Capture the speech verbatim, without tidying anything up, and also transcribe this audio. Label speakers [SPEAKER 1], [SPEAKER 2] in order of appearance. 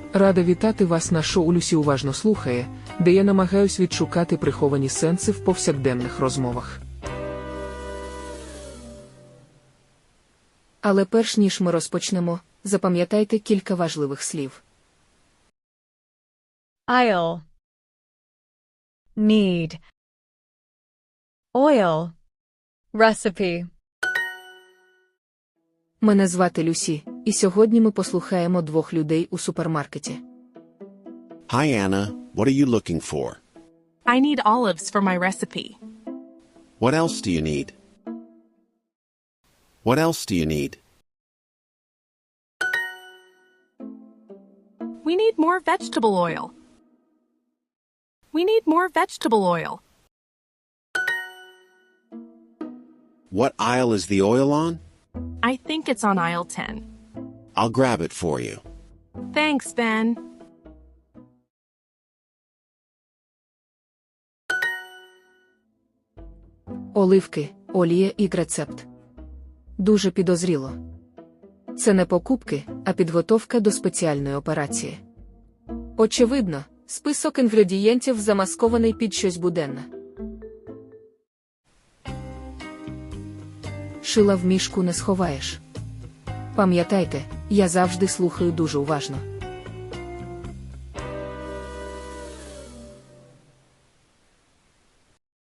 [SPEAKER 1] Рада вітати вас на шоу «Люсі уважно слухає», де я намагаюсь відшукати приховані сенси в повсякденних розмовах.
[SPEAKER 2] Але перш ніж ми розпочнемо, запам'ятайте кілька важливих слів.
[SPEAKER 3] I'll need oil recipe.
[SPEAKER 2] Мене звати Люсі, і сьогодні ми послухаємо двох людей у супермаркеті.
[SPEAKER 4] Hi, Anna. What are you looking for?
[SPEAKER 5] I need olives for my recipe.
[SPEAKER 4] What else do you need? What else do you need?
[SPEAKER 5] We need more vegetable oil. We need more vegetable oil.
[SPEAKER 4] What aisle is the oil on?
[SPEAKER 5] I think it's on aisle ten.
[SPEAKER 4] I'll grab it for you.
[SPEAKER 5] Thanks, Ben.
[SPEAKER 2] Оливки, олія і рецепт. Дуже підозріло. Це не покупки, а підготовка до спеціальної операції. Очевидно, список інгредієнтів замаскований під щось буденне. Шила в мішку не сховаєш. Пам'ятайте, я завжди слухаю дуже уважно.